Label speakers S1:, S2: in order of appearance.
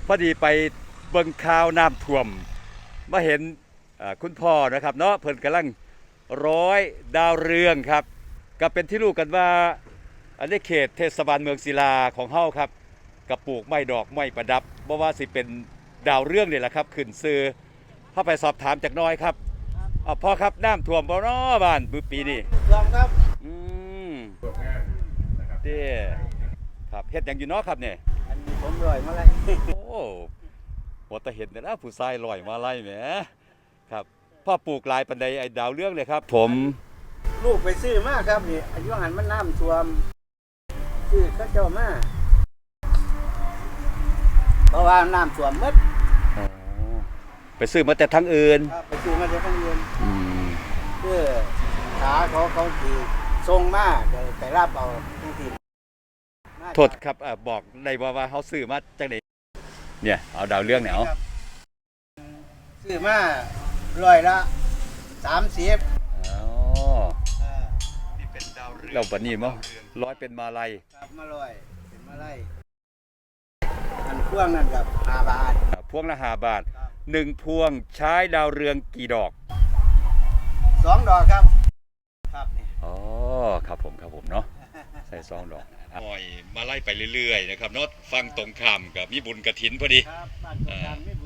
S1: พอดีไปเบิ่งข่าวน้ำท่วมมาเห็นคุณพ่อนะครับเนาะเพิ่นกำลังร้อยดาวเรืองครับก็เป็นที่รู้กันว่าอันนี้เขตเทศบาลเมืองศิลาของเฮาครับกระปลูกไม้ดอกไม้ประดับบ่ว่าสิเป็นดาวเรืองนี่แหละครับขึ้นซื้อเข้าไปสอบถามจากน้อยครับพ่อครับน้ำท่วมบ่เนาะบ้านปีนี้
S2: ท่วมครับ
S1: อืมเด้ครับเฮ็ดหยังอยู่เนาะครับเนี่ย
S2: อันนี้ผมลอยมาเลย
S1: โอ้หัวตะเห็นนะผู้ชายลอยมาไล่แหมครับพ่อปลูกลายปันใดไอ้ดาวเรื่องเลยครับผม
S2: ลูกไปซื้อมาครับนี่อายุหันมันน้ำท่วมซื้อก็เจ้ามาเพราะว่าน้ำท่วมมืด
S1: ไปซื้อมาแต่ทั้งอื่น
S2: ไปซื้อมาจากทางอื่นเพื่อขาเขาดีทรงมาไปรับเอาทุกที
S1: โทษครับบอกได้ว่าเขาซื้อมาจากไหนเนี่ยเอาดาวเรื่องเนี่ยเอา
S2: ซื้อมา130
S1: อ๋อนี่เป็นดาวเรื่องเราบัดนี้มั้งร้อยเป็นมาลัย
S2: ครับมาร้อยเป็นมาลัยอันพ่วงนั่นกับ5 บาท
S1: พวงละ5 บาท1 พวงใช้ดาวเรืองกี่ดอก
S2: 2 ดอกครับครับนี่
S1: อ๋อครับผมเนาะใส่2 ดอกหอยมาไล่ไปเรื่อยๆนะครับเนาะฟังตรงข้ามกับมีบุญกฐินพอดี
S2: ครับบ้านตรงข้ามมี